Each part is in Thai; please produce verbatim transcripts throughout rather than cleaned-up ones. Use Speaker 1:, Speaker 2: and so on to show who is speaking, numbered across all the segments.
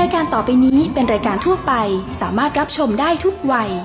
Speaker 1: ายการต่อไปนี้เป็นรายการทั่วไปสามารถรับชมได้ทุกวัย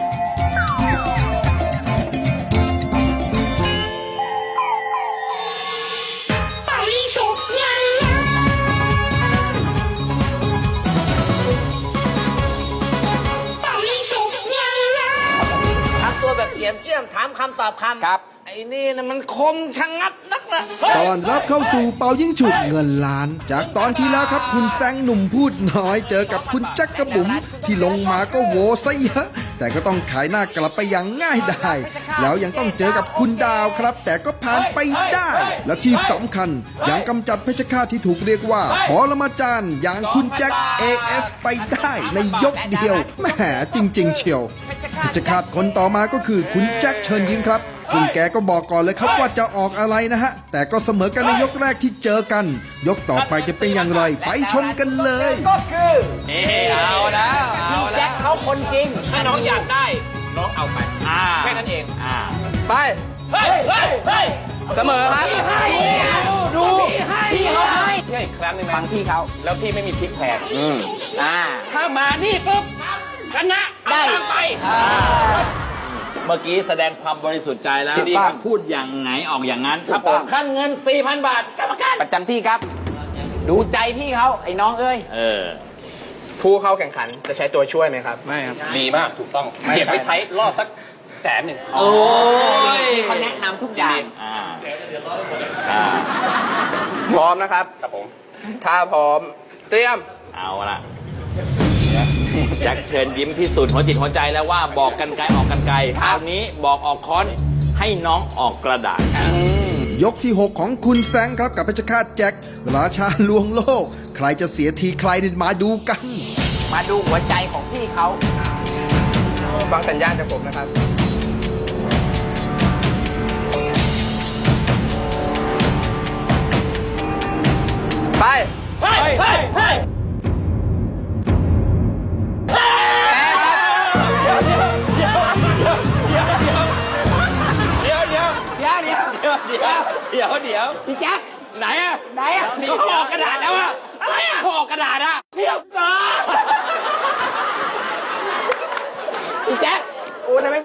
Speaker 2: ตัวแบบเกี่ยมเจียมถามคำตอบคำครับไอ้นี่นะมันคมชะงัดนักนะ
Speaker 3: ตอนรับเข้าสู่เป่ายิ่งฉุบเงินล้านจากตอนที่แล้วครับคุณแซงหนุ่มพูดน้อยเจอกับคุณแจ็คกระบุ๋มที่ลงมาก็โวซะเยอะแต่ก็ต้องขายหน้ากลับไปอย่างง่ายดายแล้วยังต้องเจอกับคุณดาวครับแต่ก็ผ่านไปได้และที่สำคัญยังกำจัดเพชฌฆาตที่ถูกเรียกว่าปรมาจารย์อย่างคุณแจ็ค เอ เอฟ ไปได้ในยกเดียวแหมจริงๆเชียวเพชฌฆาตคนต่อมาก็คือคุณแจ็คเชิญยิ้มครับซึ่งแกก็บอกก่อนเลยครับว่าจะออกอะไรนะฮะแต่ก็เสมอกันในยกแรกที่เจอกันยกต่อไปจะเป็นอย่างไรไปชมกันเลย
Speaker 2: ก็คือนี่เอาแล้วพี่แจ็คเขาคนจริงถ้าน้องอยากได้น้องเอาไปแค่นั้นเองไปเฮ้ยเฮ้ยเฮ้ยเสมอครับดูพี่เขาให้พี่อีกครั้งหนึ่งฟังพี่เขาแล้วพี่ไม่มีพลิกแพลงอ่าถ้ามานี่ปุ๊บชนะได้ไปเมื่อกี้แสดงความบริสุทธิ์ใจแล้วที่พูดอย่างไงออกอย่างนั้นครับขั้นเงิน สี่พัน บาทกรรมการ
Speaker 4: ประจำที่ครับดูใจพี่เขาไอ้น้องเอ้ย
Speaker 2: เออ
Speaker 5: ผู้เข้าแข่งขันจะใช้ตัวช่วยไหมครับ
Speaker 2: ไม่ครับดีมากถูกต้องเก็บไปใช้รอดสักแสนหนึ่ง
Speaker 4: โอ้ยเขาแนะนำทุกอย่าง
Speaker 2: อ่า
Speaker 5: พร้อมนะครับ
Speaker 2: ครับผม
Speaker 5: ถ้าพร้อมเตรียม
Speaker 2: เอาละแจ็คเชิญยิ้มพิสูจน์หัวจิตหัวใจแล้วว่าบอกกันไกลออกกันไกลคราวนี้บอกออกค้อนให้น้องออกกระดาษ
Speaker 3: ยกที่หกของคุณแซงครับกับเพชฌฆาตแจ็คราชาลวงโลกใครจะเสียทีใครนี่มาดูกัน
Speaker 4: มาดูหัวใจของพี่เขา
Speaker 5: ฟังสัญญาณจากผมนะครับไป
Speaker 2: เฮ้ยเฮ้ยเฮ้ยเดี๋ยวเดี๋ยวเดี๋ยว
Speaker 4: พี่แจ๊ค
Speaker 2: ไหนอะ
Speaker 4: ไหนอะ
Speaker 2: นี่เขาออกกระดาษแล้วอะอะไรอะเขาออกกระดาษอะเทียบนะ
Speaker 4: พี่แจ๊ค
Speaker 5: โอ้ยไม่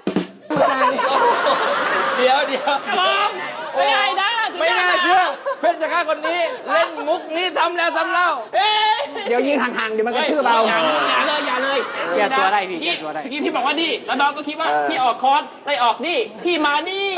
Speaker 2: เดี๋ยวเดี๋ยว
Speaker 4: ไม่ได้นะ
Speaker 2: ไม่น่าเชื่อเพชฌฆาตคนนี้เล่นมุกนี้ทำแล้วทำเล่า
Speaker 4: เดี๋ยวยิงห่างๆเดี๋ยวมันกระทืบเรา
Speaker 6: อย่าเลยอย่าเลย
Speaker 4: แก้ตัวได้พี่แก้ตัวได้
Speaker 6: เมื่อกี้พี่บอกว่านี่แล้วน้องก็คิดว่าพี่ออกคอร์สไล่ออกนี่พี่มานี่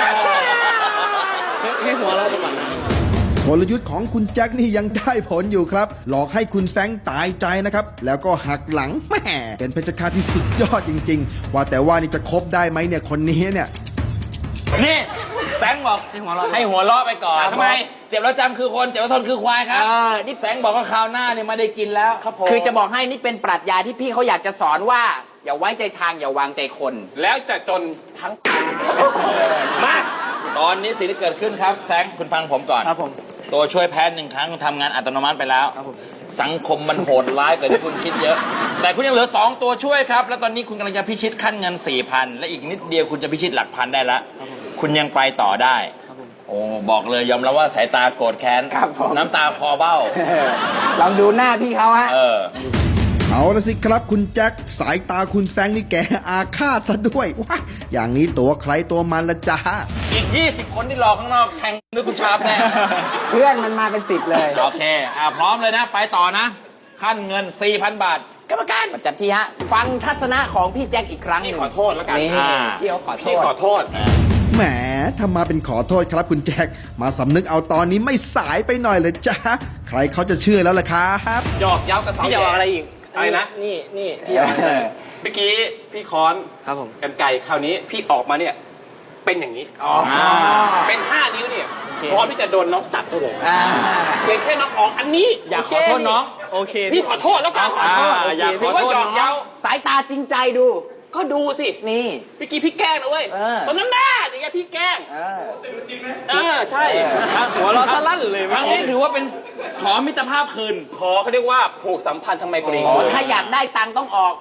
Speaker 4: ให้หัวเราไปก่อน
Speaker 3: กลยุทธ์ของคุณแจ็คนี่ยังได้ผลอยู่ครับหลอกให้คุณแซงตายใจนะครับแล้วก็หักหลังแหมเป็นเพชฌฆาตที่สุดยอดจริงๆว่าแต่ว่านี่จะคบได้ไหมเนี่ยคนนี้เนี่ย
Speaker 2: นี่แซงบอกให้หัวเราะไปก่อน
Speaker 6: ทำไม
Speaker 2: เจ็บแล้วจำคือคนเจ็บแล้วทนคือควายครับนี่แซงบอกว่าคราวหน้าเนี่ยไม่ได้กินแล้วครับผม
Speaker 4: คือจะบอกให้นี่เป็นปรัชญาที่พี่เขาอยากจะสอนว่าอย่าไว้ใจทางอย่าวางใจคน
Speaker 6: แล้วจะจนทั้ง
Speaker 2: มาตอนนี้สิ่งที่เกิดขึ้นครับแซงคุณฟังผมก่อน
Speaker 4: ครับผม
Speaker 2: ตัวช่วยแพ้หนึ่งครั้งทำงานอัตโนมัติไปแล้วสังคมมันโหดร้ายกว่าที่คุณคิดเยอะแต่คุณยังเหลือสองตัวช่วยครับแล้วตอนนี้คุณกำลังจะพิชิตขั้นเงิน สี่พัน และอีกนิดเดียวคุณจะพิชิตหลักพันได้แล้วคุณยังไปต่อได้โอ้บอกเลยยอมรับว่าสายตาโกรธแค้นน้ำตาคอเบ้า
Speaker 4: ลองดูหน้าพี่เขาฮะ
Speaker 3: เอาละสิครับคุณแจ็คสายตาคุณแซงนี่แกอาฆาตซะด้วยว้าอย่างนี้ตัวใครตัวมันละจ้า
Speaker 2: อีกยี่สิบคนที่รอข้างนอกแทงด้วยคุณชาร์ปแน่
Speaker 4: เพื่อนมันมาเป็นสิบเลย
Speaker 2: โอเคอ่าพร้อมเลยนะไปต่อนะขั้นเงิน สี่พัน บาทกรรมการ
Speaker 4: ประจำที่ฮะฟังทัศนะของพี่แจ็คอีกครั้ง
Speaker 6: นี่ขอโทษแล้วกัน
Speaker 4: พี่เขาขอโทษ
Speaker 6: ขอโทษ
Speaker 3: แหมถ้ามาเป็นขอโทษครับคุณแจ็คมาสำนึกเอาตอนนี้ไม่สายไปหน่อยเลยจ้าใครเขาจะเชื่อแล้วล่ะครับ
Speaker 6: หยอกเย้ากับ
Speaker 4: พี่จะบอกอะไรอีก
Speaker 6: อะไรนะ
Speaker 4: นี่นี่พี่เอา
Speaker 6: เมื่อกี้พี่ค้อน
Speaker 4: ครับผม
Speaker 6: กันไก่คราวนี้พี่ออกมาเนี่ยเป็นอย่างนี้เป็นห้านิ้วเนี่ยพร้อมที่จะโดนน้องตัดได้เลยเพียงแค่น้องออกอันนี้
Speaker 2: อยากขอโทษน้องโอเค
Speaker 6: พี่ขอโทษแล้วกันขอโทษ
Speaker 2: อยากขอโทษน้อง
Speaker 4: สายตาจริงใจดู
Speaker 6: ก็ดูสิ
Speaker 4: นี่
Speaker 6: เมื่อกี้พี่แกล้งนะเว้ยตอนนั้นแน่อย่างเงี้ยพี่แกล้งจริงไหมเออใช่หัวเราะสลั่นเลย
Speaker 2: ครั้งนี้ถือว่าเป็นขอมิตรภาพคืน
Speaker 6: ขอเขาเรียกว่าผูกสัมพันธ์ทางไมตรี
Speaker 4: ถ้าอยากได้ตังค์ต้องออก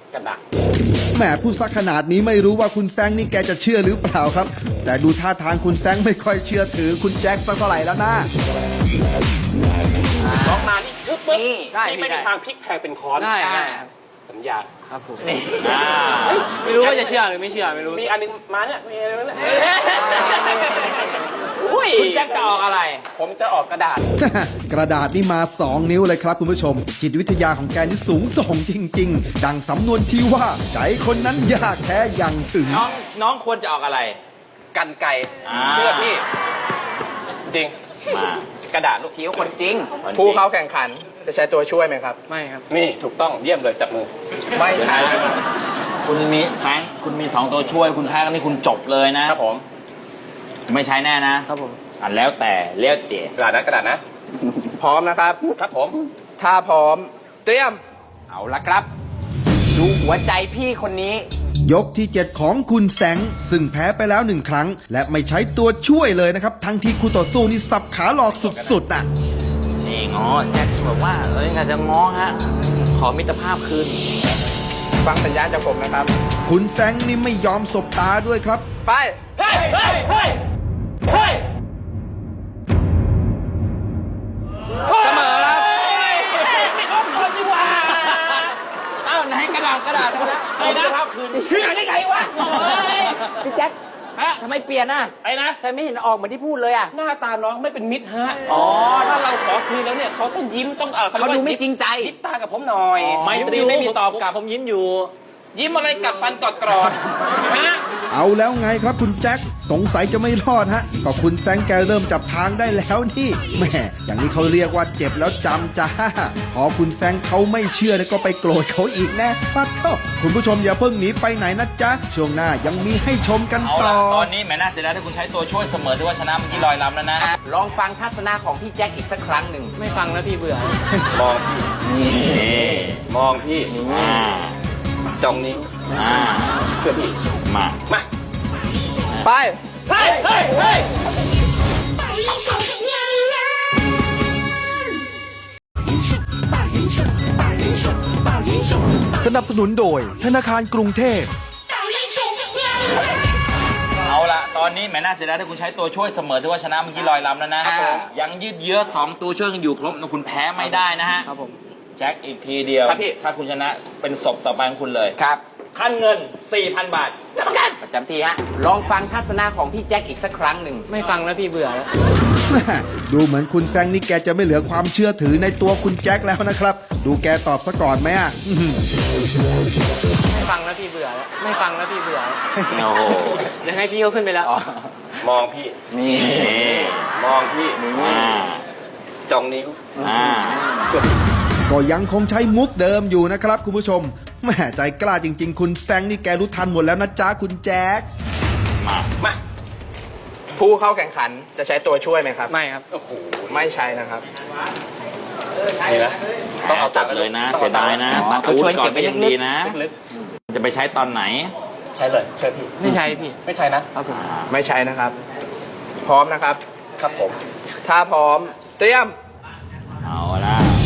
Speaker 6: กระดาษ
Speaker 3: แหมพูดซะขนาดนี้ไม่รู้ว่าคุณแซงนี่แกจะเชื่อหรือเปล่าครับ แต่ดูท่าทางคุณแซงไม่ค่อยเชื่อถือคุณแจ็คสักเท่าไหร่แล้วนะ
Speaker 6: น้องมานี่ชึบปึ๊บ
Speaker 4: นี่
Speaker 6: นี่ไม่มีทางพลิกแพลงเป็นค้อน
Speaker 2: ได้ได้
Speaker 6: สัญญา
Speaker 2: ครับผม
Speaker 4: นี่
Speaker 2: ไม่รู้ว่าจะเชื่อหรือไม่เชื่อไม่รู้
Speaker 6: มีอันนึงมาเนี่ยมีอะไรเนี่ยอุ้ย
Speaker 4: คุณแจ็คจะออกอะไร
Speaker 6: ผมจะออกกระดาษ
Speaker 3: กระดาษนี่มา สอง นิ้วเลยครับคุณผู้ชม จิตวิทยาของแกนี่สูงส่งจริง ๆ ดังสำนวนที่ว่าใจคนนั้นยากแท้ยังถึง
Speaker 4: น้องน้องควรจะออกอะไร
Speaker 6: กันไกร
Speaker 4: อ่า
Speaker 6: เชื่อพี่ จริงมากระดาษลูก
Speaker 4: พี่ก็คนจริง
Speaker 5: ผู้เข้าแข่งขันจะใช้ตัวช่วยไหมครับ
Speaker 2: ไม่ครับ
Speaker 6: นี่ถูกต้องเยี่ยมเลยจับมือ
Speaker 5: ไม่ใช่นะครับ
Speaker 7: คุณมีแฟงคุณมีสองตัวช่วยคุณแพ้กันนี่คุณจบเลยนะครับ
Speaker 6: ผม
Speaker 7: ไม่ใช้แน่นะครับ
Speaker 2: ผม
Speaker 7: อ่ะแล้วแต่เลี้ยวเตี๋ย
Speaker 6: กระดาษนะกระดาษนะ
Speaker 5: พร้อมนะครับ
Speaker 6: ครับผม
Speaker 5: ถ้าพร้อม เตรียม
Speaker 4: เอาละครับ ดูหัวใจพี่คนนี้
Speaker 3: ยกที่ เจ็ด ของคุณแสงซึ่งแพ้ไปแล้วหนึ่งครั้ง และไม่ใช้ตัวช่วยเลยนะครับ ทั้งที่คู่ต่อสู้นี่สับขาหลอกสุดๆน่ะ
Speaker 7: นี่ง้อแจ็คบอกว่าเอ้ยงานจะง้อฮะ ขอมิตรภาพคืน
Speaker 5: ฟังสัญญาณจากผมนะครับ
Speaker 3: คุณแสงนี่ไม่ยอมสบตาด้วยครับ
Speaker 5: ไป
Speaker 6: เฮ้ยเฮ้ยเฮ้ยเฮ้ย
Speaker 5: เสมอครับ
Speaker 4: อ้าวไหนกระดาษกระดาษนะ
Speaker 6: ไอ้นะเชื่อได้ไงวะโอ้ย
Speaker 4: พี่แจ็ค
Speaker 6: ฮะ
Speaker 4: ทำไมเปลี่ยนอ่ะ
Speaker 6: ไอ้นะ
Speaker 4: ทำไมไม่เห็นออกเหมือนที่พูดเลยอ่ะ
Speaker 6: หน้าตาน้องไม่เป็นมิตรฮะ อ๋อ ถ้าเราขอคืนแล้วเนี่ยเขาต้องยิ้มต้องเออ
Speaker 4: เขาดูไม่จริงใจ
Speaker 6: ยิ้มตากับผมหน่อย
Speaker 7: ไมตรีไม่มีตอบกลับ
Speaker 6: ผมยิ้มอยู่ ยิ้มอะไรกับฟันกอดกรอดฮะ
Speaker 3: เอาแล้วไงครับคุณแจ็คสงสัยจะไม่รอดฮะก็คุณแซงแกเริ่มจับทางได้แล้วนี่แหม่อย่างนี้เขาเรียกว่าเจ็บแล้วจำจ้าพอคุณแซงเขาไม่เชื่อแล้วก็ไปโกรธเขาอีกแนะปัดเถอะคุณผู้ชมอย่าเพิ่งหนีไปไหนนะจ๊ะช่วงหน้ายังมีให้ชมกัน
Speaker 7: เอา
Speaker 3: ต่
Speaker 7: ละ
Speaker 3: อ
Speaker 7: ตอนนี้แหมน่าเสียดายที่คุณใช้ตัวช่วยเสมอที่ว่าชนะเมื่อกี้ลอยลำแล้วนะ
Speaker 4: ลองฟังทัศนะของพี่แจ็คอีกสักครั้งหนึ่ง
Speaker 2: ไม่ฟังแล้วพี่เบื่อ
Speaker 6: มองพี่
Speaker 7: นี่
Speaker 6: มองพี่
Speaker 7: อ่า
Speaker 6: จ้องนี้
Speaker 7: อ่า
Speaker 6: เชื่อพี่
Speaker 7: มา
Speaker 6: มา
Speaker 5: ไป
Speaker 6: เฮ้ยเฮ้ยเฮ้ย
Speaker 8: สนับสนุนโดยธนาคารกรุงเทพ
Speaker 7: เอาละตอนนี้แหมน่าเสียดายที่คุณใช้ตัวช่วยเสมอที่ว่าชนะเมื่อกี้ลอยลำแล้วนะ
Speaker 4: อ่า
Speaker 7: ยังยืดเยื้อสองตัวช่วยกันอยู่ครบนะคุณแพ้ไม่ได้นะฮะ
Speaker 2: ครับผม
Speaker 7: แจ็คอีกทีเดียว
Speaker 6: ครับพี่
Speaker 7: ถ้าคุณชนะเป็นศพต่อไปของคุณเลย
Speaker 4: ครับ
Speaker 7: ขั้นเงิน สี่พัน บาท
Speaker 4: จะประกันประจำทีฮะ ลองฟังทัศนะของพี่แจ็คอีกสักครั้งหนึ่ง
Speaker 2: ไม่ฟังแล้วพี่เบื่อแล้ว
Speaker 3: แม่ดูเหมือนคุณแซงนี่แกจะไม่เหลือความเชื่อถือในตัวคุณแจ็คแล้วนะครับ ดูแกตอบซะก่อนไหมอ่ะอื้อหือ
Speaker 2: ไม่ฟังแล้วพี่เบื่อแล้ว ไม่ฟังแล้วพี่เบื่อแล้ว
Speaker 7: โอ้โห
Speaker 2: ยังให้พี่เขาขึ้นไปแล้ว
Speaker 6: มองพี่
Speaker 4: นี่
Speaker 6: มองพี่
Speaker 7: อ่า
Speaker 6: จ้องนิ้ว
Speaker 7: อ่า
Speaker 6: เชื่อพี่
Speaker 3: ก็ยังคงใช้มุกเดิมอยู่นะครับคุณผู้ชมแม่ใจกล้าจริง ๆ คุณแซงนี่แกรู้ทันหมดแล้วนะจ๊ะคุณแจ็ค
Speaker 7: มา
Speaker 6: มา
Speaker 5: ผู้เข้าแข่งขันจะใช้ตัวช่วยไหมครับ
Speaker 2: ไม่ครับ
Speaker 6: โอ้โห
Speaker 5: ไม่ใช่นะครับ
Speaker 6: นี่นะต้องเอา
Speaker 7: จั
Speaker 6: ตั
Speaker 7: บ
Speaker 6: งค์
Speaker 7: เลยนะ
Speaker 6: ต้อง
Speaker 7: เสียดายนะ
Speaker 4: อ๋อ
Speaker 7: ตัดอาวุธก่อนก็ยังดีนะ
Speaker 6: ลึก
Speaker 7: จะไปใช้ตอนไหน
Speaker 6: ๆใช่เลยเชื่อพี่
Speaker 2: ไม่ใช่พี่
Speaker 6: ไม่ใช่นะ
Speaker 2: ครับผม
Speaker 5: ไม่ใช่นะครับ พร้อมนะครับ
Speaker 6: ครับผม
Speaker 5: ถ้าพร้อม เตรียม
Speaker 7: เอาละ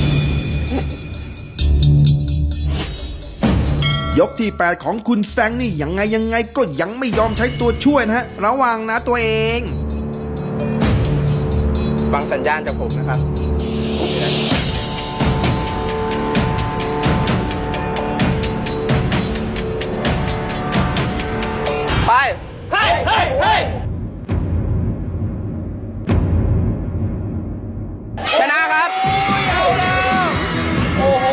Speaker 3: ยกที่ แปด ของคุณแซงนี่ยังไงยังไงก็ยังไม่ยอมใช้ตัวช่วยนะฮะระวังนะตัวเอง
Speaker 5: ฟังสัญญาณจากผมนะครับ ไป
Speaker 6: เฮ้ยเฮ้ยเฮ้ย
Speaker 5: ชนะครับ
Speaker 7: โอ้โห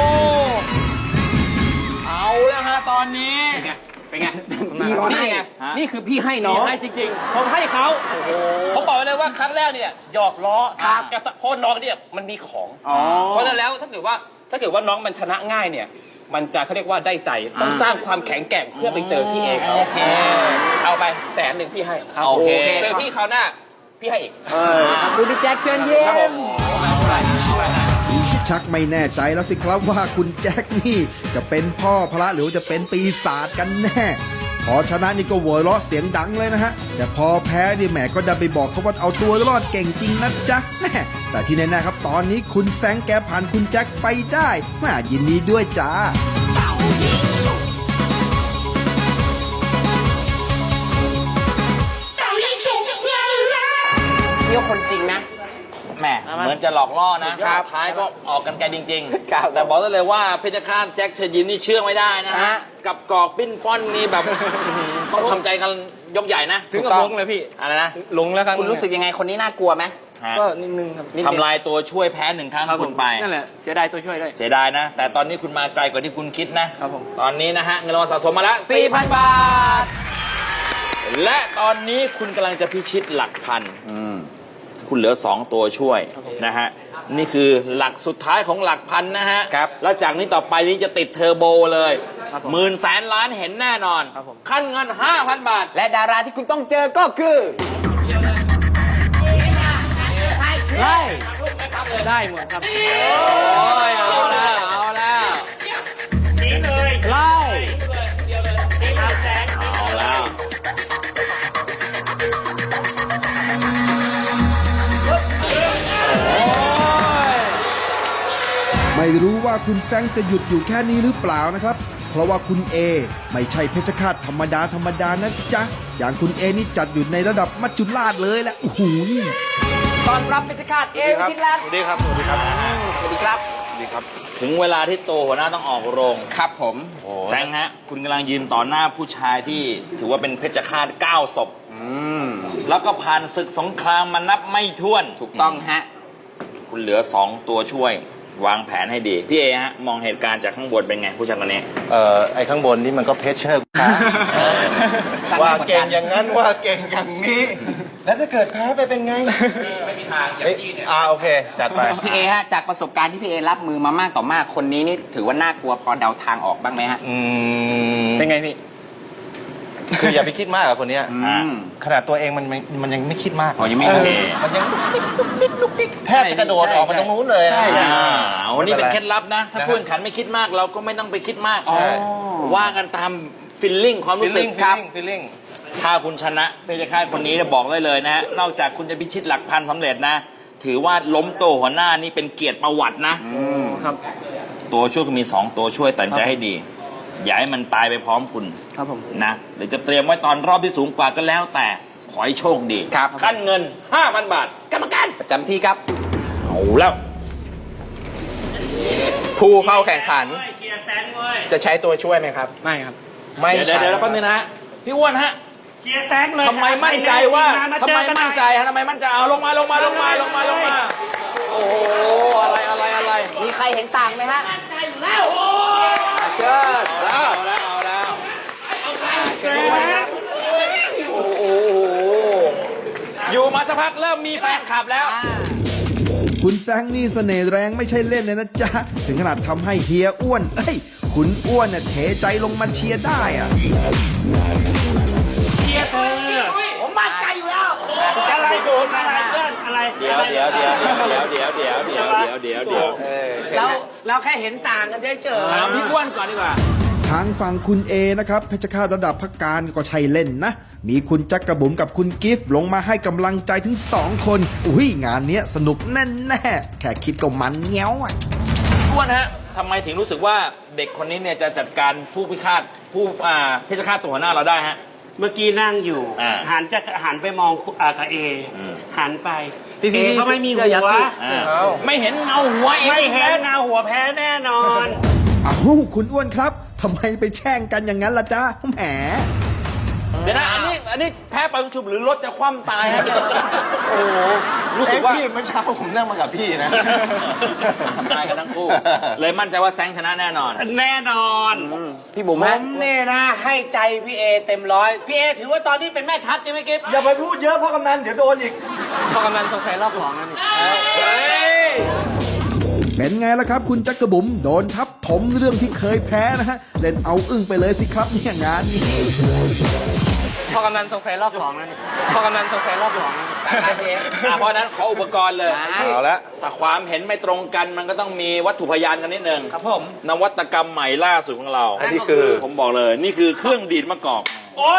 Speaker 7: เอาแล้วฮะตอนนี้
Speaker 6: เป็นไง
Speaker 4: พี่เขาให้
Speaker 6: นี่ไง
Speaker 7: ฮะ
Speaker 6: นี่คือพี่ให้น้อง
Speaker 7: ให้จริง
Speaker 6: ผมให้เขาผมบอกไว้เลยว่าครั้งแรกเนี่ยหยอกล้อ
Speaker 7: ครับ
Speaker 6: กระสะเพราะน้องเนี่ยมันมีของ
Speaker 4: อ๋อ
Speaker 6: เพราะฉะนั้นแล้วถ้าเกิดว่าถ้าเกิดว่าน้องมันชนะง่ายเนี่ย มันจะเขาเรียกว่าได้ใจต้องสร้างความแข็งแกร่งเพื่อไปเจอพี่เองโอเคเอาไปแสนหนึ่งพี่ให้
Speaker 7: โอเค
Speaker 6: เจอพี่คราวหน้าพี่ให้อีก
Speaker 4: เออดูพี่แจ็คเชิญเยี่
Speaker 6: ครับผ
Speaker 4: ย
Speaker 6: ม
Speaker 4: ม
Speaker 3: ชักไม่แน่ใจแล้วสิครับว่าคุณแจ็คนี่จะเป็นพ่อพระหรือว่าจะเป็นปีศาจกันแน่ พอชนะนี่ก็โวยเราะเสียงดังเลยนะฮะ แต่พอแพ้นี่แหมก็ดันไปบอกเขาว่าเอาตัวรอดเก่งจริงนะจ๊ะแน่แต่ที่แน่ๆครับตอนนี้คุณแซงแกผ่านคุณแจ็คไปได้มายินดีด้วยจ้า
Speaker 9: Bow
Speaker 4: เที่ยวคนจริงนะ
Speaker 7: แหมเหมือนจะหลอกล่อนะครับ ท้ายก็ออกกันไกลจริง
Speaker 4: ครับ
Speaker 7: ๆ แต่บอกได้เลยว่าเพชรฆาตแจ็คเชิญยิ้มนี่เชื่อไม่ได้นะฮะ
Speaker 4: ฮะ
Speaker 7: กับกอกปิ้นป้อนนี่แบบ ต้องทำใจกันยกใหญ่นะ
Speaker 6: ถึงกับลงเลยพี่
Speaker 7: อะไรนะ
Speaker 6: ลงแล้วครับ
Speaker 4: คุณรู้สึกยังไงคนนี้น่ากลัวไหม
Speaker 7: ฮะ
Speaker 6: ก็นิดนึงครับ
Speaker 4: นิดนึง
Speaker 7: ทำลายตัวช่วยแพ้หนึ่งครั้ง
Speaker 6: ครับผ
Speaker 7: คุ
Speaker 6: ม
Speaker 7: ณไป
Speaker 6: นั่นแหละเสียดายตัวช่วยด้วย
Speaker 7: เสียดายนะ แต่ตอนนี้คุณมาไกลกว่าที่คุณคิดนะครับ
Speaker 6: ผม
Speaker 7: ตอนนี้นะฮะเงินรางวัลสะสมมาแล้ว
Speaker 4: สี่พันบาท
Speaker 7: และตอนนี้คุณกำลังจะพิชิตหลักพันคุณเหลือสองตัวช่วยนะฮะนี่คือหลักสุดท้ายของหลักพันนะฮะ
Speaker 4: ครับ
Speaker 7: แล้วจากนี้ต่อไปนี้จะติดเทอร์โบเลยหมื่นแสนล้านเห็นแน่นอน
Speaker 6: ครับผม
Speaker 7: ขั้นเงิน ห้าพัน บาท
Speaker 4: และดาราที่คุณต้องเจอก็คือไล่
Speaker 6: ได้หมดครับ
Speaker 7: โอ้ยเอาแล้วเอาแล้ว
Speaker 4: ไล่
Speaker 7: เอาแล้ว
Speaker 3: ไม่รู้ว่าคุณแซงจะหยุดอยู่แค่นี้หรือเปล่านะครับ เพราะว่าคุณเอไม่ใช่เพชฌฆาตธรรมดาธรรมดานะจ๊ะ อย่างคุณเอนี่จัดอยู่ในระดับมัจจุราชเลยแหละโอ้โห
Speaker 4: ตอนรับเป็นชาติเอวิทิตรัตน์
Speaker 5: สวัสดีครับ สวัสดีครับ
Speaker 4: สวัสดีครับ
Speaker 7: ถึงเวลาที่โตหัวหน้าต้องออกโรง
Speaker 4: ครับผม
Speaker 7: แซงฮะ คุณกำลังยืนต่อหน้าผู้ชายที่ถือว่าเป็นเพชฌฆาตเก้าศพแล้วก็ผ่านศึกสงครามมานับไม่ถ้วน
Speaker 4: ถูกต้องฮะ
Speaker 7: คุณเหลือสองตัวช่วย วางแผนให้ดี พี่เอฮะ มองเหตุการณ์จากข้างบนเป็นไง ผู้ชายคนนี้
Speaker 9: เอ่อไอ้ข้างบนนี่มันก็เพชเชอร์ครับ ว่าเก่งอย่างนั้นว่าเก่งอย่างนี้ แล้วถ้าเกิดแพ้ไปเป็นไง
Speaker 7: ไม่มีทางอย่างที่เนี่ย
Speaker 9: อ่าโอเค จัดไป
Speaker 4: พี่เอฮะ จากประสบการณ์ที่พี่เอรับมือมามากต่อมาก คนนี้นี่ถือว่าน่ากลัวพอเดาทางออกบ้างไหมฮะ
Speaker 9: อืม
Speaker 6: เป็นไงพี่
Speaker 9: คืออย่าไปคิดมากกับคนเนี้ย
Speaker 4: อืม
Speaker 9: ขนาดตัวเองมันมันมันยังไม่คิดมาก
Speaker 4: อ๋อยังไม่
Speaker 9: เ
Speaker 4: โอเค
Speaker 9: มันยังแทบจะกระโดดออกมาตรงนู้นเลยนะ
Speaker 7: อ่าวันนี้เป็นเคล็ดลับนะ ถ้า
Speaker 9: นะครับ
Speaker 7: ผู้แข่งขันไม่คิดมากเราก็ไม่ต้องไปคิดมาก
Speaker 9: ใช่
Speaker 7: ว่ากันตามฟิลลิ่งความรู้สึก
Speaker 9: feeling
Speaker 7: ครับ
Speaker 9: feeling feeling
Speaker 7: ถ้าคุณชนะเพชฌฆาตคนนี้เนี่ยบอกได้เลยนะฮะ นอกจากคุณจะพิชิตหลักพันสำเร็จนะ ถือว่าล้มโตหัวหน้านี่เป็นเกียรติประวัตินะ
Speaker 6: ครับ
Speaker 7: ตัวช่วยคุณมีสองตัวช่วยตัดสินใจให้ดี อย่าให้มันตายไปพร้อมคุณ
Speaker 6: ครับผม
Speaker 7: นะหรือจะเตรียมไว้ตอนรอบที่สูงกว่าก็แล้วแต่ขอให้โชคดี
Speaker 4: ครับ
Speaker 7: ขั้นเงิน ห้าพัน บาท กรรมการ
Speaker 4: ประจำที่ครับ
Speaker 7: เอาแล้ว
Speaker 5: ผู้เข้าแข่งขัน จะใช้ตัวช่วยไหมครับ
Speaker 6: ไม่ครับ
Speaker 5: ไม่
Speaker 7: เดี๋ยวเดี๋ยว
Speaker 5: ใช้
Speaker 7: เดี๋ยวแล้วแป๊บนึงนะฮะพี่อ้วนฮะ
Speaker 10: เชียร์แซงเลย
Speaker 7: ทำไมมั่นใจว่าทำ
Speaker 10: เจ
Speaker 7: ไม
Speaker 10: อกันหน่
Speaker 7: มั่
Speaker 10: อน ย
Speaker 7: ใจฮะทำไมมั่นใจเอาลงมาลงมาลงมาลงมาลงมาโอ้โหอะไรอะไรอะไร
Speaker 4: มีใครเห็นต่างไหมฮะมั่นใจอยู่แล้วเชิญ
Speaker 7: เอาแล้วเอาแล้ว
Speaker 4: เชิญด้วยครับ
Speaker 7: โอ้โหอยู่มาสักพักเริ่มมีแฟนคลับแล้ว
Speaker 3: คุณแซงนี่เสน่ห์แรงไม่ใช่เล่นเลยนะจ๊ะ ถึงขนาดทำให้เฮียอ้วน เอ้ย คุณอ้วนน่ะเทใจลงมาเชียร์ได้อะ
Speaker 10: เชียร์เธอ
Speaker 4: ผมมั่นใจอยู่แล้ว
Speaker 10: อะไรโดนอะไรเพื่อนอะไร
Speaker 7: เดี๋ยวเดี๋ยวเดี๋ยวเดี๋ยวเดี๋ยวเดี๋ยวเดี๋ยวเดี๋ยวเดี๋ยวเดี๋ยว
Speaker 4: เราเราแค่เห็นต่างกันเฉย
Speaker 7: ถามพี่อ้วนก่อนดีกว่า
Speaker 3: ทางฝั่งคุณเอนะครับเพชฌฆาตระดับพักการก็ใช่เล่นนะ มีคุณจักกระบุ๋มกับคุณกิฟต์ลงมาให้กำลังใจถึงสองคน อุ้ยงานเนี้ยสนุกแน่แน่ๆแค่คิดก็มันเงี้ยวอ่ะ
Speaker 7: อ้วนฮะทำไมถึงรู้สึกว่าเด็กคนนี้เนี่ยจะจัดการผู้พิฆาตผู้อ่าเพชฌฆาตตัวหัวหน้าเราได้ฮะ
Speaker 10: เมื่อกี้นั่งอยู่
Speaker 7: อ่า
Speaker 10: หันจะหันไปมองอ่ากับเอ
Speaker 7: อืม
Speaker 10: หันไป
Speaker 6: พี่
Speaker 10: เอก็ไม่มีหั
Speaker 6: เสื้อยัด
Speaker 10: ว
Speaker 6: พี่
Speaker 7: อ่าไม่เห็นเงาหัวเอง
Speaker 10: ไม่เห็นเงาหัวแพ้แน่นอน
Speaker 3: อ้าวคุณอ้วนครับทำไมไปแช่งกันอย่างนั้นล่ะจ๊ะแหม
Speaker 7: เดี๋ยวนะอันนี้อันนี้แพ้ไปชุบหรือรถจะคว่ำตายฮะเนี่ยโอ้โหรู้สึกว่า
Speaker 9: เอ้ยพี่เมื่อเช้าผมนั่งมากับพี่นะ
Speaker 7: ตายกันทั้งคู่ เลยมั่นใจว่าแซงชนะแน่นอน
Speaker 10: แน่นอน
Speaker 4: ๆพี่บุ๋ม
Speaker 11: ผ
Speaker 4: ฮะ
Speaker 11: มเนี่ยนะ ให้ใจพี่เอเต็มร้อย พี่เอถือว่าตอนนี้เป็นแม่ทัพใช่ไหมกิ๊ฟ
Speaker 9: อย่าไปพูดเยอะเพราะกำนันเดี๋ยวโดนอีก
Speaker 6: พอกำลังสงสัยรอบสองแล้วนี่
Speaker 3: เป็นไงล่ะครับ คุณจักกระบุ๋มโดนทับถมเรื่องที่เคยแพ้นะฮะ เล่นเอาอึ้งไปเลยสิครับเนี่ยงานนี้
Speaker 6: พอกำลังสงสัยรอบสองแล้วนี่พอกำลังสงสัยรอบสองแล้วนี่
Speaker 7: อ่ะเพราะฉะนั้นขออุปกรณ์เลย
Speaker 9: เอาละ
Speaker 7: ถ้าความเห็นไม่ตรงกันมันก็ต้องมีวัตถุพยานกันนิดนึง
Speaker 9: ครับผม
Speaker 7: นวัตกรรมใหม่ล่าสุดของเรา
Speaker 9: อันนี้คือ
Speaker 7: ผมบอกเลย นี่คือเครื่องดีดมะกอก
Speaker 10: โอ้ย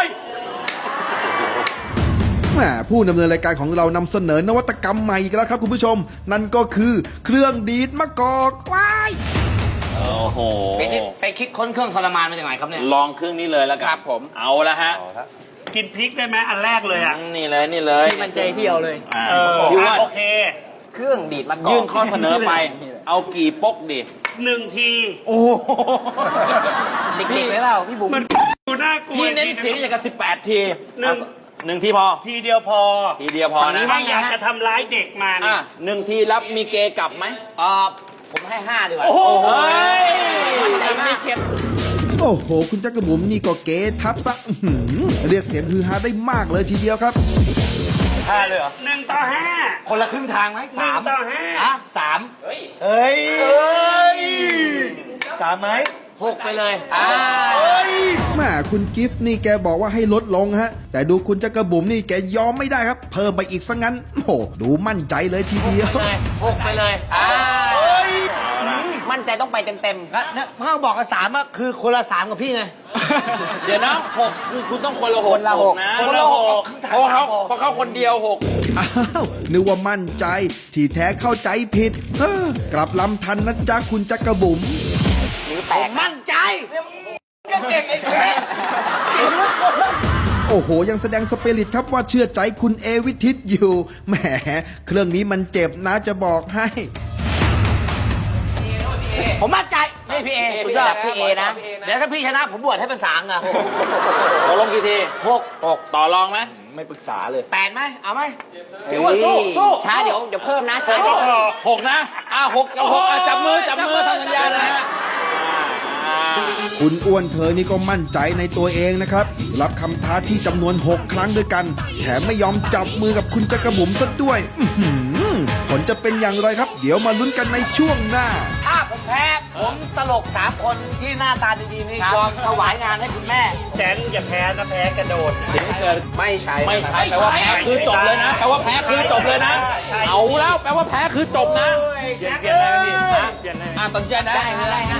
Speaker 3: แหมผู้ดำเนินรายการของเรานำเสนอนวัตกรรมใหม่อีกแล้วครับคุณผู้ชม นั่นก็คือเครื่องดีดมะกอกว้าย
Speaker 7: โอ้โห
Speaker 4: เป็น
Speaker 11: นี่ไปคิดค้นเครื่องทรมานมาจากไหนครับเนี่ย
Speaker 7: ลองเครื่องนี้เลยแล้วกัน
Speaker 4: ครับผม
Speaker 7: เอาละฮะ
Speaker 10: กินพริกได้ไหมอันแรกเลยอ่ะ
Speaker 7: นี่เลยนี่เลย
Speaker 11: พี่มันใจพี่เอาเลย
Speaker 7: อ่า
Speaker 10: เออ
Speaker 7: พี่ว่า
Speaker 10: โอเค
Speaker 4: เครื่องดีดมะกอก
Speaker 7: ยื่นข้อเสนอไป เอากี่ปกดิ
Speaker 10: หนึ่งที
Speaker 7: โอ้โห
Speaker 4: เด็กๆไว้เปล่าพี่บุ๋ม
Speaker 10: มันดูน่ากลัว
Speaker 7: พี่เน้นเสียงอย่างกับสิบแปดที
Speaker 10: หนึ่ง
Speaker 7: เอาหนึ่งทีพอ
Speaker 10: ทีเดียวพอ
Speaker 7: ทีเดียวพอนะ
Speaker 10: ไม่อยากจะทำร้ายเด็กมัน
Speaker 7: อ่ะหนึ่งทีรับมีเกย์กลับไหม
Speaker 11: เออผมให้ห้าดีกว่า
Speaker 10: โอ้โห
Speaker 7: เฮ้ย
Speaker 11: มั่นใจมาก
Speaker 3: โอ้โห คุณจักรบุ๋มนี่ก็เก๋ทับซะอื้อหือเรียกเสียงฮือฮาได้มากเลยทีเดียวครับ
Speaker 9: ห้าเลยเหรอ
Speaker 10: หนึ่งต่อห้า
Speaker 11: คนละครึ่งทางไหม
Speaker 10: หนึ่งต่อห้า
Speaker 11: อ่ะสาม
Speaker 9: เฮ้ยเฮ้ยสามไหม
Speaker 11: หกไปเลยอ่า
Speaker 3: แม่คุณกิฟต์นี่แกบอกว่าให้ลดลงฮะ แต่ดูคุณจักรบุ๋มนี่แกยอมไม่ได้ครับ เพิ่มไปอีกซะงั้น โอ้โห ดูมั่นใจเลยทีเดียว
Speaker 11: หกไปเลยอ่า
Speaker 4: มั่นใจต้องไปเต็ม
Speaker 11: แล้วเนี่ยเมื่อบอกกับสามอะคือคนละสามกับพี่ไง
Speaker 7: เดี๋ยวนะหกคือคุณต้องคนละหก
Speaker 4: คนละหก
Speaker 7: นะ
Speaker 11: คนละหก
Speaker 7: เพราะเขาเพราะเขาคนเดียวหก
Speaker 3: อ้าวนึกว่ามั่นใจ ที่แท้เข้าใจผิดเฮ้อกลับลำทันนะจ๊ะคุณจักรบุ๋ม
Speaker 4: ๆนิ้วแตก
Speaker 11: มั่นใจ
Speaker 9: ก็เก่งไอ้แค่
Speaker 3: โอ้โห ยังแสดงสเปริตครับว่าเชื่อใจคุณเอวิทิตอยู่ แหม เครื่องนี้มันเจ็บนะจะบอกให้
Speaker 11: ผมมั่นใจนี่พี่เอสุดยอด
Speaker 4: พี่เอนะ
Speaker 11: เดี๋ยวถ้าพี่ชนะผมบวชให้เป็นสางอะ
Speaker 7: ตกลงกี่ที
Speaker 11: หก
Speaker 7: หกต่อรองไหม
Speaker 9: ไม่ปรึกษาเลย
Speaker 11: แปดไหมเอาไหม
Speaker 4: พี่อ้วนสู้สู้ช้าเดี๋ยวเดี๋ยวเพิ่มนะช้าเดี๋ยว
Speaker 7: หกนะอ่ะหกกับหกอ่ะจับมือจับมือทำสัญญานะฮะอ่า
Speaker 3: คุณอ้วนเธอนี่ก็มั่นใจในตัวเองนะครับ รับคำท้าที่จำนวน หก ครั้งด้วยกัน แถมไม่ยอมจับมือกับคุณจักรบุ๋มซะด้วย อื้อหือผลจะเป็นอย่างไรครับ เดี๋ยวมาลุ้นกันในช่วงหน้า
Speaker 11: ถ้าผมแพ้ผมตลกสามคนที่หน้าตาดีๆนี่ยอมถวายงานให้คุณแม่
Speaker 10: แสนอย่าแพ้นะแพ้กระโดด
Speaker 7: เสียงเกิด
Speaker 5: ไม่ใช้
Speaker 7: ไม่ใช่แปลว่าแพ้คือจบเลยนะแปลว่าแพ้คือจบเลยนะ เอาแล้วแปลว่าแพ้คือจบนะ
Speaker 10: เปลี่ยนเปลี่ยนได้ไหมพี่ฮะเปลี่ยนได้ไหม
Speaker 7: อ่ะตัดสินใจนะ
Speaker 4: ได้ฮะได้ฮะ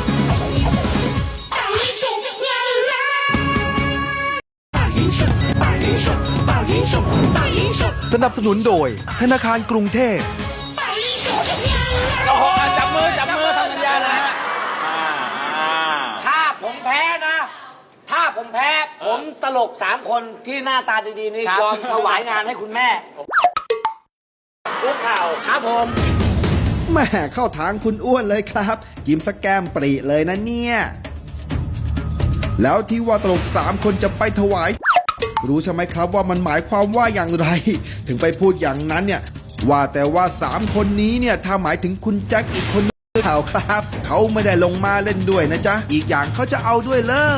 Speaker 8: สนับสนุนโดยธนาคารกรุงเทพ
Speaker 7: โอ้โหอ่ะจับมือจับมือทำสัญญานะฮะอ่าอ่า
Speaker 11: ถ้าผมแพ้นะ ถ้าผมแพ้ผมตลกสามคนที่หน้าตาดีๆนี่ยอมถวายงานให้คุณแม่
Speaker 10: คุกเข่า
Speaker 11: ครับผม
Speaker 3: แหม่เข้าทางคุณอ้วนเลยครับ ยิ้มสแกมปรีเลยนะเนี่ย แล้วที่ว่าตลกสามคนจะไปถวาย รู้ใช่ไหมครับว่ามันหมายความว่าอย่างไร ถึงไปพูดอย่างนั้นเนี่ย ว่าแต่ว่าสามคนนี้เนี่ยถ้าหมายถึงคุณแจ็คอีกคนนึงหรือเปล่าครับ เขาไม่ได้ลงมาเล่นด้วยนะจ๊ะ อีกอย่างเขาจะเอาด้วยเลอ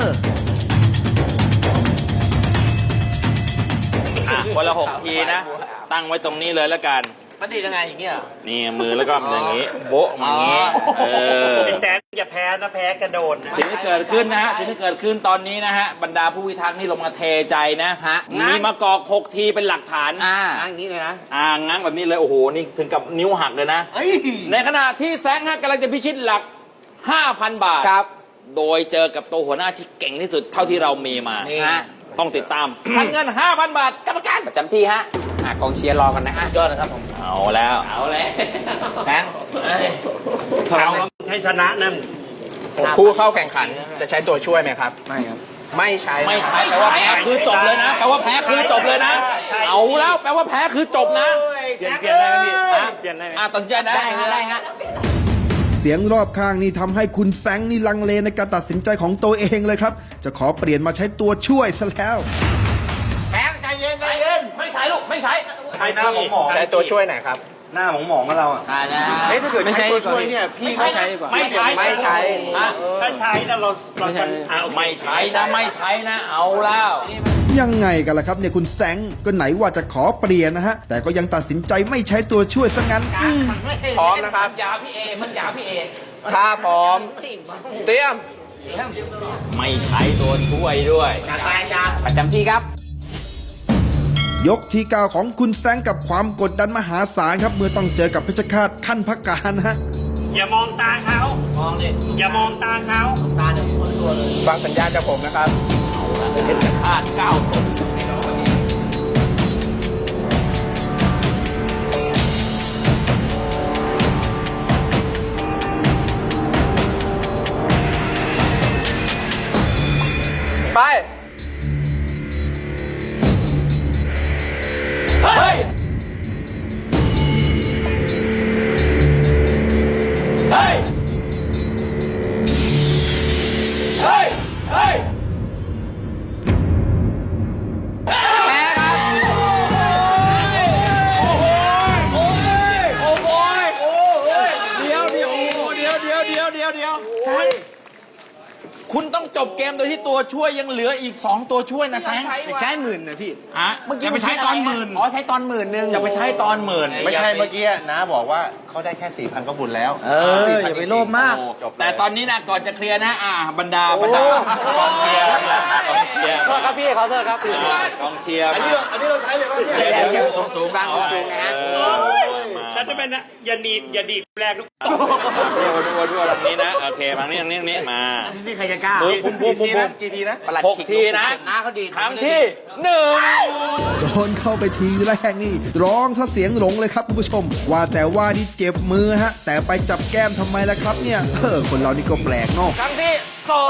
Speaker 7: อ่ะคนละหกทีนะ ตั้งไว้ตรงนี้เลยแล้วกัน
Speaker 11: มันดียังไงอย่างเงี้ย
Speaker 7: นี่มือแล้วก็อย่างนี้ โบ๊ะมาอย่างนี้ เออ
Speaker 10: ไอ้แสนอย่าแพ้นะแพ้กระโดดนะ
Speaker 7: สิ่งที่เกิดขึ้นนะฮะ สิ่งที่เกิดขึ้นตอนนี้นะฮะ บรรดาผู้พิทักษ์นี่ลงมาเทใจนะ
Speaker 4: ฮะ
Speaker 7: มีมากอกหกทีเป็นหลักฐาน
Speaker 4: อ่า
Speaker 11: นั่งอย่างนี้เลยนะ
Speaker 7: อ่างั้งแบบนี้เลย โอ้โห นี่ถึงกับนิ้วหักเลยนะ ในขณะที่แซงฮะกำลังจะพิชิตหลัก ห้าพัน บาท
Speaker 4: ครับ
Speaker 7: โดยเจอกับตัวหัวหน้าที่เก่งที่สุดเท่าที่เรามีมา
Speaker 4: นี่ฮะ
Speaker 7: ต้องติดตามพันเงิน ห้าพัน บาทกรรมการ
Speaker 4: ประจำที่ฮะอ่ะกองเชียร์รอกันนะฮะ
Speaker 11: ยอดนะครับผม
Speaker 7: เอาแล้ว
Speaker 4: เอาเลย
Speaker 11: แบงค์เอ้ย
Speaker 10: เอาใช้ชนะนั่น
Speaker 5: ผู้เข้าแข่งขันจะใช้ตัวช่วยไหมครับ ไม่ครับ ไม่ใช้
Speaker 7: ไม่ใช่แปลว่าแพ้คือจบเลยนะแปลว่าแพ้คือจบเลยนะ เอาแล้วแปลว่าแพ้คือจบนะ
Speaker 10: เปลี่ยนเปลี่ยนได้ไหมพี่ฮะเปลี่ยนได้ไหม
Speaker 7: อ่ะตัดสินใจนะ
Speaker 4: ได้ฮะได้ฮะ
Speaker 3: เสียงรอบข้างนี่ทำให้คุณแซงนี่ลังเลในการตัดสินใจของตัวเองเลยครับ จะขอเปลี่ยนมาใช้ตัวช่วยซะแล้ว
Speaker 11: แบงค์ใจเย็นใจเย็น
Speaker 7: ไม่ใช้ลูกไม่ใช้
Speaker 9: ใช้หน้าหมองหมอง
Speaker 5: ใช้ตัวช่วยไหนครับ
Speaker 9: หน้าหมองหมองกับเราอ่ะ
Speaker 11: อ่านะ
Speaker 9: เฮ้ยถ้าเกิดใช้ตัวช่วยเนี่ย พี่เขาใช้
Speaker 7: ไม่ใช้
Speaker 5: ไม่ใช้
Speaker 7: อ่ะ
Speaker 10: ถ้าใช้นะเราเราจะอ่ะโอเค
Speaker 7: ไม่ใช้นะไม่ใช้นะ เอาแล้ว
Speaker 3: ยังไงกันล่ะครับเนี่ยคุณแซงก็ไหนว่าจะขอเปลี่ยนนะฮะ แต่ก็ยังตัดสินใจไม่ใช้ตัวช่วยซะงั้นอืม
Speaker 5: พร้อมนะครับ
Speaker 7: ยาพี่เอมันยาพี่เอ
Speaker 5: ถ้าพร้อม เตรียม
Speaker 7: ไม่ใช้ตัวช่วยด้วย
Speaker 11: จัดไปจ้า
Speaker 4: ประจำที่ครับ
Speaker 3: ยกที่เก้าของคุณแซงกับความกดดันมหาศาลครับ เมื่อต้องเจอกับเพชรฆาตขั้นพักการนะฮะ
Speaker 10: อย่ามองตาเขา
Speaker 11: มองดิ
Speaker 10: อย่ามองตาเขา
Speaker 11: ตาเดี๋ยวคนตัวเลย
Speaker 5: ฟังสัญญาณจากผมนะครับ
Speaker 7: เป็นคาดเก้าศพ
Speaker 5: ไป
Speaker 7: เฮ้ย เฮ้ย เฮ้ย เฮ้ย
Speaker 4: แพ้ครับ
Speaker 7: โอ้โหโอ้ยโอ้โหโอ้โหเดี๋ยวเดี๋ยวเดี๋ยวเดี๋ยวเดี๋ยวเดี๋ยวเดี๋ยวแซงคุณต้องจบเกมโดยที่ตัวช่วยยังเหลืออีกสองตัวช่วยนะแซง
Speaker 11: ใช้หมื่นนะพี่
Speaker 7: ฮะ
Speaker 4: เมื่อกี้
Speaker 7: จะไปใช้ตอนหมื่น
Speaker 4: อ๋อใช้ตอนหมื่นหนึ่ง
Speaker 7: จะไปใช้ตอนหมื่น
Speaker 9: ไม่ใช่เมื่อกี้นะบอกว่าเขาได้แค่สี่พันก็บุญแล้ว
Speaker 11: เอออย่าไปโลภมาก
Speaker 7: แต่ตอนนี้นะก่อนจะเคลียร์นะอ่าบรรดาบรรดากองเชียร์กองเชียร์
Speaker 11: โทษครับพี่เขาโทษครับ
Speaker 7: กองเชียร์
Speaker 9: อันนี้เราอันนี้เราใช้เลยป่ะเนี่ย
Speaker 4: เดี๋ยวเดี๋ยว
Speaker 7: สูงสูง
Speaker 4: บางสูงๆนะฮะ
Speaker 10: ฉันจะเป็นนะอย่าดีดอย่าดีดแรกลูก
Speaker 7: ดูดูดูทางนี้นะโอเคทางนี้ทางนี้ทางนี้มา
Speaker 11: นี่ใครจะกล้า
Speaker 7: ปุ๊บปุ๊บปุ๊บปุ๊บ
Speaker 9: กี่ทีนะ
Speaker 4: ประหลัด
Speaker 7: หก
Speaker 4: ขิก
Speaker 7: ทีนะ
Speaker 11: น้าเขาดีด
Speaker 7: ครั้งที่หนึ่ง
Speaker 3: โดนเข้าไปทีแรกนี่ ร้องซะเสียงหลงเลยครับคุณผู้ชม ว่าแต่ว่านี่เจ็บมือฮะ แต่ไปจับแก้มทำไมล่ะครับเนี่ยเออคนเรานี่ก็แปลกเนาะ
Speaker 7: ครั้งที่สอง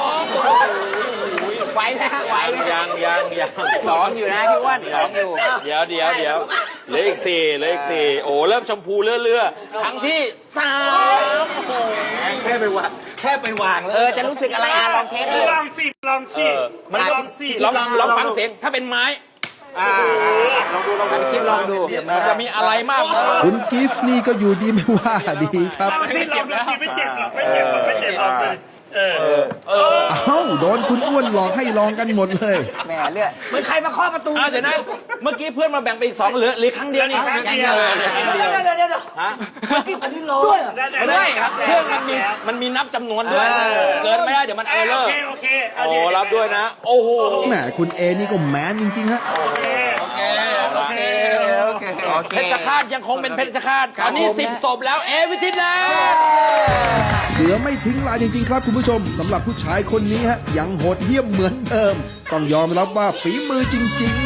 Speaker 4: ไหวไหมฮะไหวไหม
Speaker 7: ยังยังยัง
Speaker 4: สองอยู่นะพี่อ้วนสองอยู่
Speaker 7: เดี๋ยวเดี๋ยวเดี๋ยวเหลืออีกสี่เหลืออีกสี่โอ้เริ่มชมพูเลื่อเลื่อครั้งที่สาม
Speaker 9: แค่ไปวางแค่ไปวางแล้ว
Speaker 4: เออจะรู้สึกอะไรอ่ะลองเทสดู
Speaker 10: ลองสิลองสิ
Speaker 7: มัน
Speaker 10: ลองสิ
Speaker 7: ลองลองฟังเสียงถ้าเป็นไม้
Speaker 4: ลองดูลองดูคลิปลองดู
Speaker 7: มันจะมีอะไรมากกว่า
Speaker 3: คุณกิฟต์นี่ก็อยู่ดีไม่ว่าดีครับ
Speaker 10: ลองสิลองดูสิไม่เจ็บหรอกไม่เจ็บหรอกไม่เจ็บหรอกเลยเออ
Speaker 7: เออ
Speaker 3: เอ้าโดนคุณอ้วนหลอกให้ลองกันหมดเลย
Speaker 4: แหมเลือด
Speaker 11: เหมือนใครมาเคาะประตู
Speaker 7: อ่ะเดี๋ยวนะเมื่อกี้เพื่อนมาแบ่งไปอีกสองเหลือเหลือครั้งเดียวนี่
Speaker 10: ครั้งเดียว
Speaker 7: ออหลือครั้งเดียว
Speaker 11: เดี๋ยวเดี๋ยวเดี๋ยว
Speaker 7: ฮะ
Speaker 11: อันนี้ร้อย
Speaker 7: ไม่ได้เครื่องมันมีมันมีนับจำนวนด้วย เกินไม่ได้เดี๋ยวมันเออเลอ
Speaker 10: โอ
Speaker 7: ร์
Speaker 10: เคโอเค
Speaker 7: โอ้รับด้วยนะ โอ้โห
Speaker 3: แหมคุณเอนี่ก็แมนจริงๆฮะ
Speaker 10: โอเคโอเคโอเค
Speaker 4: โอเคโอเค
Speaker 7: เพชรฆาตยังคงเป็นเพชรฆาตตอนนี้สิบศพแล้วเอวิทิตแล้ว
Speaker 3: เสือไม่ทิ้งลายจริงๆครับคุณผู้ชมสำหรับผู้ชายคนนี้ฮะยังโหดเหี้ยมเหมือนเดิม ต้องยอมรับว่าฝีมือจริง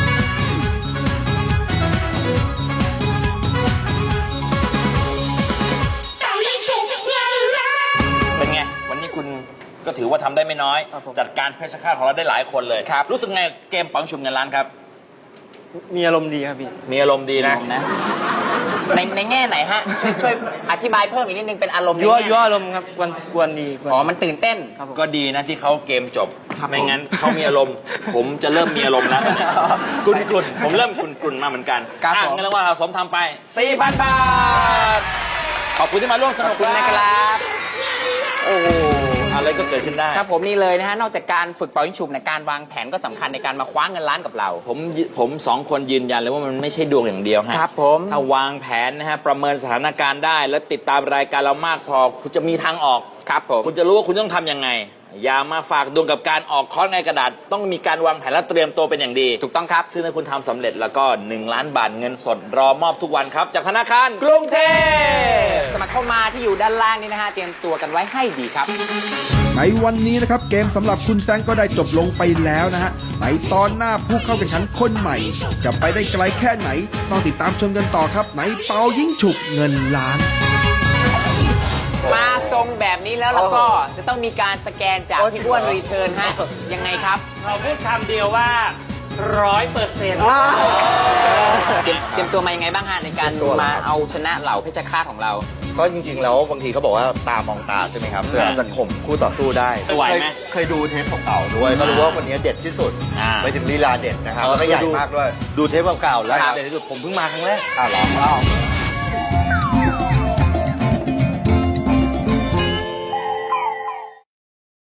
Speaker 3: ๆ
Speaker 7: เป็นไง วันนี้คุณก็ถือว่าทำได้ไม่น้อย จัดการเพชรฆาตของเราได้หลายคนเลยครับรู้สึกไงเกมปังชุมเงินล้านครับ
Speaker 11: มีอารมณ์ดีครับพี่
Speaker 7: มีอารมณ์ดีนะ
Speaker 4: นะในในแง่ไหนฮะช่วยช่วยอธิบายเพิ่มอีกนิดนึงเป็นอารมณ์ใน
Speaker 11: ยั่ว
Speaker 4: แง่
Speaker 11: ยั่วอารมณ์ครับกวนกวนดีกวน
Speaker 4: อ๋อมันตื่นเต้น
Speaker 7: ก็ดีนะที่เขาเกมจบ ไม่งั้นเขามีอารมณ์ ผมจะเริ่มมีอารมณ์แล้วตอนนี้กลุ่นกลุ่นผมเริ่มกลุ่นกลุ่นมาเหมือนกัน
Speaker 4: ครับ
Speaker 7: อ่ะ
Speaker 4: ผม
Speaker 7: เงินรางวัลสะสมทำไปสี่พันบาท ขอบคุณที่มาร่วมส
Speaker 4: ข
Speaker 7: นุ
Speaker 4: อก บคุณนะครับ
Speaker 7: โอ้โหอะไรก็เกิดขึ้นได้
Speaker 4: ครับผมนี่เลยนะฮะนอกจากการฝึกเป่ายิงฉุบในยการวางแผนก็สำคัญในการมาคว้าเงินล้านกับเรา
Speaker 7: ผมผมสองคนยืนยันเลยว่ามันไม่ใช่ดวงอย่างเดียวฮะ
Speaker 4: ครับผม
Speaker 7: ถ้าวางแผนนะฮะประเมินสถานการณ์ได้ แล้วติดตามรายการเรามากพอคุณจะมีทางออก
Speaker 4: ครับผม
Speaker 7: คุณจะรู้ว่าคุณต้องทำยังไง อย่ามาฝากดวงกับการออกคอร์สในกระดาษ ต้องมีการวางแผนและเตรียมตัวเป็นอย่างดี
Speaker 4: ถูกต้องครับ
Speaker 7: ซึ่งถ้าคุณทำสำเร็จแล้วก็หนึ่งล้านบาทเงินสดรอมอบทุกวันครับ จากธนาคารกรุงเทพ
Speaker 4: สมัครเข้ามาที่อยู่ด้านล่างนี้นะฮะเตรียมตัวกันไว้ให้ดีครับ
Speaker 3: ในวันนี้นะครับเกมสำหรับคุณแซงก็ได้จบลงไปแล้วนะฮะในตอนหน้าผู้เข้าแข่งขันคนใหม่ จะไปได้ไกลแค่ไหน ต้องติดตามชมกันต่อครับในเปายิ่งฉุบเงินล้าน
Speaker 4: มาทรงแบบนี้แล้วแล้วก็จะต้องมีการสแกนจากพี่อ้วนรีเทิร์นฮะยังไงครับ
Speaker 10: เราพูดคำเดียวว่าร้อยเปอร์เซ็นต์
Speaker 4: เตรียมเตรียมตัวมายังไงบ้างฮะในการมาเอาชนะเหล่าเพชรฆาตของเรา
Speaker 9: ก็จริงๆแล้วบางทีเขาบอกว่าตามองตาใช่ไหมครับเพื่อจะข่มคู่ต่อสู้ได้
Speaker 7: ไหวไหม
Speaker 9: เคยเคยดูเทปเก่าๆด้วยก็รู้ว่าคนนี้เด็ดที่สุด
Speaker 7: อ่า
Speaker 9: ไปถึงลีลาเด็ดนะครับแล้วก็ใหญ่มากด้วย ดูเทปเก่าๆแล้ว
Speaker 7: เดี๋ยวที่สุดผมเพิ่งมาครั้งแรก
Speaker 9: อ้าวเหรอ